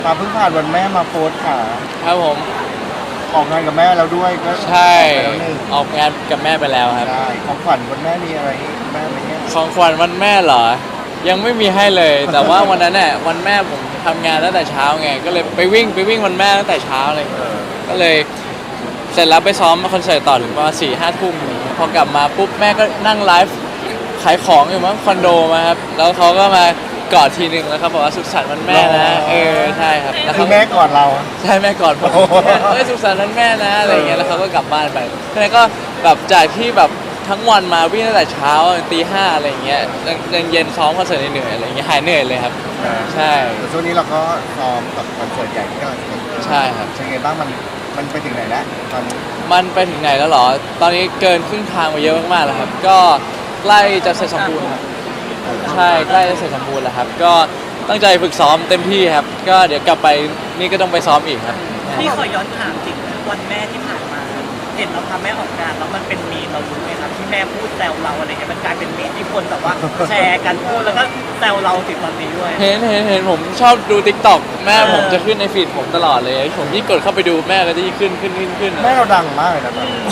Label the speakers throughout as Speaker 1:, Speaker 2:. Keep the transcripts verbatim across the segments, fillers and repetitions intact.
Speaker 1: มาเพิ่งผ่านวันแม่มาโพสต์ค่ะ
Speaker 2: ครับผม
Speaker 1: ออกงานกับแม่แล้วด้วยก็
Speaker 2: ใช่
Speaker 1: ออกไปแล้วหนึ่ง
Speaker 2: ออกงานกับแม่ไปแล้วครับ
Speaker 1: ได้ของขวัญวันแม่มีอะไรให้แม่ไหมเนี่ย
Speaker 2: ของขวัญวันแม่เหรอยังไม่มีให้เลย แต่ว่าวันนั้นเนี่ยวันแม่ผมทำงานตั้งแต่เช้าไงก็เลยไปวิ่งไปวิ่งวันแม่ตั้งแต่เช้าเลยก็เลยเสร็จแล้วไปซ้อมคอนเสิร์ตต่อถึงประมาณสี่ห้าทุ่มพอกลับมาปุ๊บแม่ก็นั่งไลฟ์ขายของอยู่มั้งคอนโดมาครับแล้วเขาก็มากอดทีหนึ่งแล้วครับบอกว่าสุขสันต์วันแม่นะเออใช่ครับ
Speaker 1: คือแม่ก่อนเรา
Speaker 2: ใช่แม่ก่อนผมเอ้ยสุขสันต์วันแม่นะอะไรอย่างเงี้ยแล้วเขาก็กลับบ้านไปแล้วก็แบบจากที่แบบทั้งวันมาวิ่งตั้งแต่เช้าตีห้าอะไรอย่างเงี้ยยังเย็นซ้อมคอนเสิร์ตเหนื่อยอะไรอย่างเงี้ยหายเหนื่อยเลยครับใช่
Speaker 1: ช่วงนี้เราก็ซ้อมกับคอนเสิร์ตใหญ่ที่กำลังจะเกิดขึ้น
Speaker 2: ใช่ครับ
Speaker 1: เป็นไงบ้างมันมันไปถึงไหนแล้วตอนนี้
Speaker 2: มันไปถึงไหนแล้วหรอตอนนี้เกินครึ่งทางไปเยอะมากๆแล้วครับก็ใกล้จะเสร็จสมบูรณ์ครับใช่ใกล้จะเสร็จสมบูรณ์แล้วครับก็ตั้งใจฝึกซ้อมเต็มที่ครับก็เดี๋ยวกลับไปนี่ก็ต้องไปซ้อมอีกครับ
Speaker 3: พี่ขอย้อนถามจริงวันแม่ที่ผ่านมาเห็นเราทำแม่ออกงานแล้วมันเป็นมีมเรารู้ไหมครับที่แม่พูดแซวเราอะไรเงี้ยมันกลายเป็นมีมที่คนแบบว่าแชร์กันพูดแล้วก็แซวเราถึงตอนนี้ด้วย
Speaker 2: เห็นเห็นเห็นผมชอบดู ติ๊กต็อก แม่ผมจะขึ้นในฟีดผมตลอดเลยผมยิ่งกดเข้าไปดูแม่ก็จะยิ่งขึ้นขึ้นขึ้นขึ้น
Speaker 1: แม่เราดังมากเลยนะตอนนี้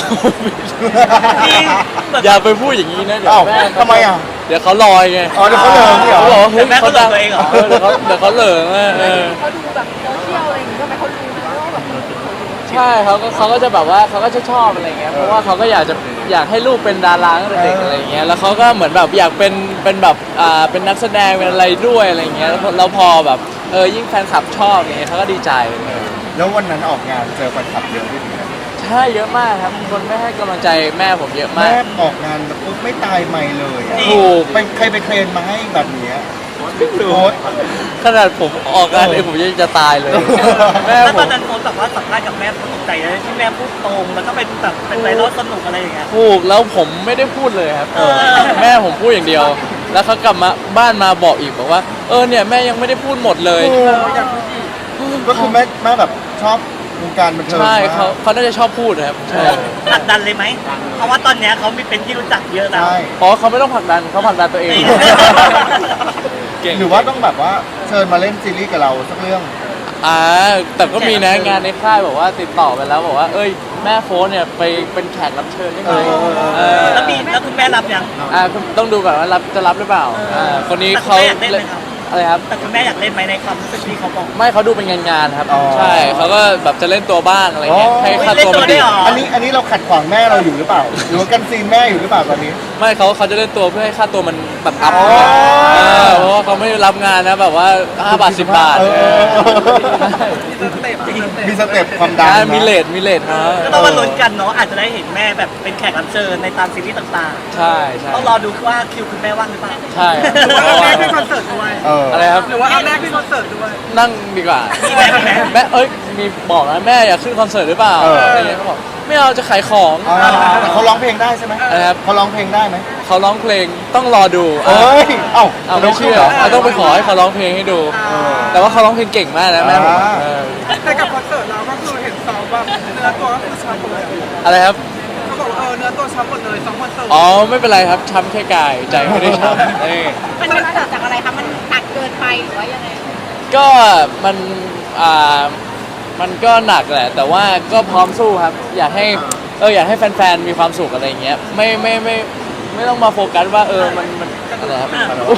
Speaker 2: อย่าไปพูดอย่างนี้นะเดี๋ยวแม่
Speaker 1: ทำไมอ่ะ
Speaker 2: เดี๋ยวเขาลอยไง
Speaker 1: อ๋อเดี๋ยวเขาเหลิงเหรอ
Speaker 2: เขาบอกว่าเฮ้ย
Speaker 3: เขา
Speaker 2: ดัง
Speaker 3: ตัวเองเหรอ
Speaker 2: เดี๋ยวเขาเดี๋ยวเขาเหลิงอ่ะ
Speaker 4: เขาดูแบบโซเชียลอะไรอย่างเงี้ยก็ไม่เขารู้ว่าแบบคนติดเขาอยู่
Speaker 2: ใช่เขาก็เขาก็จะแบบว่าเขาก็จะชอบอะไรเงี้ยเพราะว่าเขาก็อยากจะอยากให้ลูกเป็นดาราตั้งแต่เด็กอะไรเงี้ยแล้วเขาก็เหมือนแบบอยากเป็นเป็นแบบอ่าเป็นนักแสดงเป็นอะไรด้วยอะไรเงี้ยแล้วพอแบบเออยิ่งแฟนคลับชอบเงี้ยเขาก็ดีใจ
Speaker 1: แล้ววันนั้นออกงานเจอแฟนคลับเยอะด้วยไหม
Speaker 2: ใช่เยอะมากครับคนไม่ให้กำลังใจแม่ผมเยอะมาก
Speaker 1: แม่ออกงานปุ๊บไม่ตายไม่เลย
Speaker 2: ถูก
Speaker 1: ไปใครไปเคลนมาให้แบบนี้โพส
Speaker 2: ขนาดผมออกงานเองผมยังจะตายเลย
Speaker 3: แม่ผมตอนนั้นโพสแบบว่าสัมภาษณ์กับแม่ตกใจเลยที่แม่พูดตรงแล้วก็เป็นแบบเป็นไวรัลสนุกอะไรอย่างเงี้ย
Speaker 2: ถูกแล้วผมไม่ได้พูดเลยครับแม่ผมพูดอย่างเดียวแล้วเขากลับมาบ้านมาบอกอีกบอกว่าเออเนี่ยแม่ยังไม่ได้พูดหมดเลย
Speaker 1: ก็คือแม่แม่แบบชอบวงการบันเทิง
Speaker 2: ใช่เขาเขาน่าจะชอบพูดนะครับใช่
Speaker 3: ผลักดันเลยไหมเพราะว่าตอนนี้เขามีเป็นที่รู้จักเยอะแล้ว
Speaker 2: อ๋อเขาไม่ต้องผลักดันเขาผลักดันตัวเอง
Speaker 1: หรือว่าต้องแบบว่าเชิญมาเล่นซีรีส์กับเราสักเรื่อง
Speaker 2: อ่าแต่ก็มีนะงานในค่ายบอกว่าติดต่อไปแล้วบอกว่าเอ้ยแม่โฟนเนี่ยไปเป็นแขกรับเชิญได้ไหม
Speaker 3: แล้วมีแล้วคุณแม่รับยัง
Speaker 2: อ่าต้องดูก่อนว่ารับจะรับหรือเปล่าอ่าคนนี้เขาอะไรครับ
Speaker 3: แต่คุณแม่อยากเล่นไหมในความรู้สึกที่เขาบอก
Speaker 2: ไม่เขาดูเป็นงานงานครับใช่เขาก็แบบจะเล่นตัวบ้างอะไรเงี้ยให้ค่าตัวมัน
Speaker 3: ดี
Speaker 1: อันนี้อันนี้เราขัดขวางแม่เราอยู่หรือเปล่าหรือว่ากันซีนแม่อยู่หรือเปล่าตอนนี้
Speaker 2: ไม่เขาเขาจะเล่นตัวเพื่อให้ค่าตัวมันแบบอัพเพราะว่าเขาไม่รับงานนะแบบว่าห้าบาทสิบบาท
Speaker 1: มีสเต็ปความดัง
Speaker 2: มีเลทมีเลทนะ
Speaker 3: ก็ต้องมาลุ้นกันเนาะอาจจะได้เห็นแม่แบบเป็นแขกรับเชิญในตามซีรีส์ต่าง
Speaker 2: ๆใช่ใช่
Speaker 3: ต้องรอดูว่าคิวคุณแม่ว่างหรือเปล่า
Speaker 2: ใช่
Speaker 3: หรือว่าแม่ขึ้นคอนเสิร์ตด้วย
Speaker 2: อะไรครับ
Speaker 3: หรือว่าแม่ขึ้นคอนเสิร์ตด้วย
Speaker 2: นั่งดีกว่าแม่เอ้ยมีบอกนะแม่อยากขึ้นคอนเสิร์ตหรือเปล่าอะไรเงี้ยเขาบอกไม่เอาจะขายของ
Speaker 1: แต่เขาร้องเพลงได้ใช่ไหม
Speaker 2: ครับ
Speaker 1: เขาร้องเพลงได้ไหม
Speaker 2: เขาร้องเพลงต้องรอดู
Speaker 1: เอ้ยเอ้า
Speaker 2: เอาไม่เชื่อต้องไปขอให้เขาร้องเพลงให้ดูแต่ว่าเขาร้องเพลงเก่งมากนะแม่ผม
Speaker 3: แต่กับคอนเสิร์ตเราก็คือเห็นซ้อมแบบเนื้อตัวก็คือช้ำหมดเลย
Speaker 2: อะไรครับ
Speaker 3: เขาบอกเออเนื้อตัวช้ำหมดเลยซ้อมคอนเสิร์ต
Speaker 2: อ๋อไม่เป็นไรครับช้ำแค่กายใจไม่ได้ช้ำนี่
Speaker 4: มันเกิดจากอะไรคะมันหนักเกินไปหรือว่ายังไง
Speaker 2: ก็มันอ่ามันก็หนักแหละแต่ว่าก็พร้อมสู้ครับอยากให้เอออยากให้แฟนๆมีความสุขอะไรอย่างเงี้ยไม่ไม่ไม่ไม่ต้องมาโฟกัสว่าเออมันมันอะไรครับ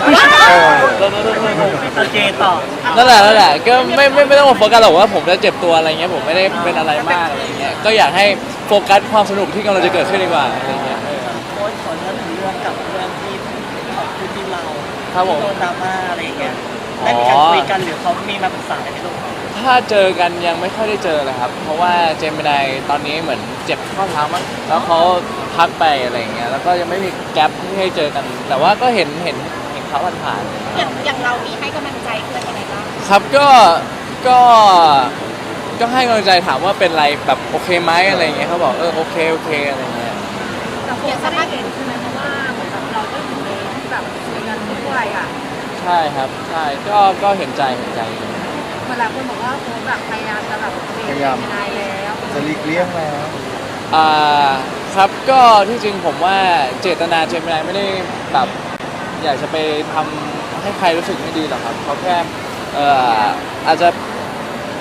Speaker 3: โอเคต่อ
Speaker 2: นั่นแหละนั่นแหละก็ไม่ไม่ไม่ต้องมาโฟกัสหรอกว่าผมจะเจ็บตัวอะไรเงี้ยผมไม่ได้เป็นอะไรมากอะไรเงี้ยก็อยากให้โฟกัสความสนุกที่กำลังจะเกิดขึ้นดีกว่าอะไรเงี้ย
Speaker 3: โค้ชขอเรื่องถึงเรื่องกับเรื่องที่ของคุณที่เรา
Speaker 2: ครับผม
Speaker 3: โดนดราม่าอะไรอย่างเงี้ยได้มีการคุยกันหรือเขามีมาปรึกษาอะไรไหมลูก
Speaker 2: ถ้าเจอกันยังไม่ค่อยได้เจอเลยครับเพราะว่าเจมินายตอนนี้เหมือนเจ็บข้อเท้ามั้งแล้วเขาพักไปอะไรเงี้ยแล้วก็ยังไม่มีแกลบที่ให้เจอกันแต่ว่าก็เห็นเห็นเห็นเขาผ่าน
Speaker 4: ๆอย่างอย่างเรามีให้กำลังใจเพื่อนยังไงบ้าง
Speaker 2: ครับก็ก็ก็ให้กำลังใจถามว่าเป็นไรแบบโอเคไหมอะไรเงี้ยเขาบอกเออโอเคโอเคอะไรเงี้ย
Speaker 4: แต่ผมสามารถเห็นใช่ไหมเพราะว่าเหมือนแบบเราก็อยู่ในที่แบบคุยกันด้วยอ่ะ
Speaker 2: ใช่ครับใช่ก็ก็เห็นใจเห็นใจ
Speaker 4: เวลาคนบอกว่าโค้ชแบบพยายามจะแบบพยายามแล้ว
Speaker 1: จะหลีกเลี่ยงแล้ว
Speaker 2: อ่าครับก็ที่จริงผมว่าเจตนาเจมินายไม่ได้แบบอยากจะไปทำให้ใครรู้สึกไม่ดีหรอกครับเขาแค่เอ่ออาจจะ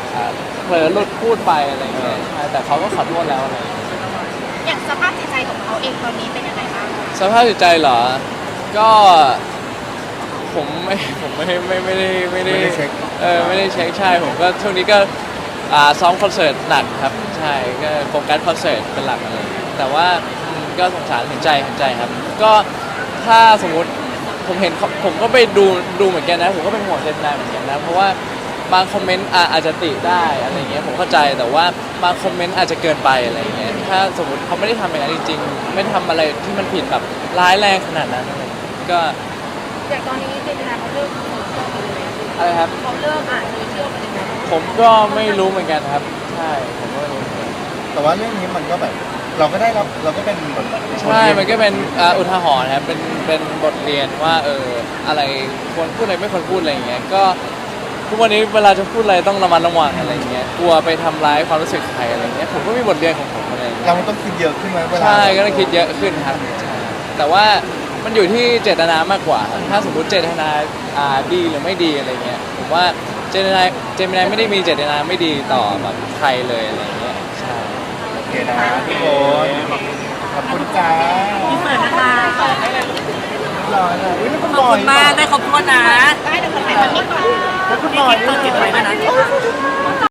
Speaker 2: อ่าเผลอหลุดพูดไปอะไรเงี้ยใช่แต่เขาก็ขอโทษแล้วอะไรเงี้ย
Speaker 4: อย่างสภาพจิตใจของเขาเองตอนนี้เป็นยังไงบ้าง
Speaker 2: สภาพจิตใจเหรอ ก็ผมไม่ผมไม่ไม่ไม่ได้ไม่ได้
Speaker 1: ไม่ได้เช็ค
Speaker 2: เออไม่ได้เช็คใช่ผมก็ช่วงนี้ก็อ่าซ้อมคอนเสิร์ตหนักครับใช่ก็โฟกัสคอนเสิร์ตเป็นหลักอะไรอย่างเงี้ยแต่ว่าอืมก็สงสารเห็นใจเห็นใจครับ ก็ถ้าสมมุติผมเห็นเขาผมก็ไปดูดูเหมือนกันนะ ผมก็เป็นห่วงเจมส์นายเหมือนกันนะเพราะว่าบางคอมเมนต์อ่ะอาจจะติได้อะไรเงี้ยผมเข้าใจแต่ว่าบางคอมเมนต์อาจจะเกินไปอะไรเงี้ยถ้าสมมติเขาไม่ได้ทำอย่างนั้นจริงๆไม่ได้ทำอะไรที่มันผิดแบบร้ายแรงขนาดนั้นอะไรเงี้ยก็
Speaker 4: อย่างตอนนี้เจมินาเขาเริ่มโซเชียลไปเลย
Speaker 2: อะไรครับ
Speaker 4: เขาเริ่มอ่านโซเชียลไปเลยนะ
Speaker 2: ผมก็ไม่รู้เหมือนกันครับ ใช่ผมก็ไม่รู้
Speaker 1: แต่ว่าเรื่องนี้มันก็แบบ เราก็ได้รับเราก็เป็นแบบ
Speaker 2: ใช่มันก็เป็นอ่าอุทาหรณ์ครับเป็นเป็นบทเรียนว่าเอออะไรควรพูดอะไรไม่ควรพูดอะไรอย่างเงี้ยก็ทุกวันนี้เวลาจะพูดอะไรต้องระมัดระวังอะไรอย่างเงี้ยกลัวไปทำร้ายความรู้สึกใครอะไรอย่างเงี้ยผมก็มีบทเรียนของผมอะไรอย่างเงี้ย
Speaker 1: เราต้องคิดเยอะขึ้นไหมเวลา
Speaker 2: ใช่ก็ต้องคิดเยอะขึ้นครับใช่แต่ว่ามันอยู่ที่เจตนามากกว่าครับถ้าสมมติเจตนาอ่าดีหรือไม่ดีอะไรเงี้ยผมว่าเจตนาเจมินายไม่ได้มีเจตนาไม่ดีต่อแบบใครเลยอะไรเงี้ยใช่
Speaker 1: โอเคนะทุกคนขอบคุณจ้า
Speaker 3: พี่เปิดนะคะ
Speaker 1: รอเลยอุ๊ยแล้วคุณ
Speaker 3: ข
Speaker 1: บ
Speaker 3: อบ
Speaker 1: อย
Speaker 3: คุณมากได้ครบถ้วนนะ
Speaker 4: ได้เดี๋ยวขอถ่ายแบบนี้ก่อน
Speaker 1: แล้วคุณ
Speaker 3: พี่
Speaker 1: บอย
Speaker 3: กิ๊กเปิดจิตไว้ด้วยนะ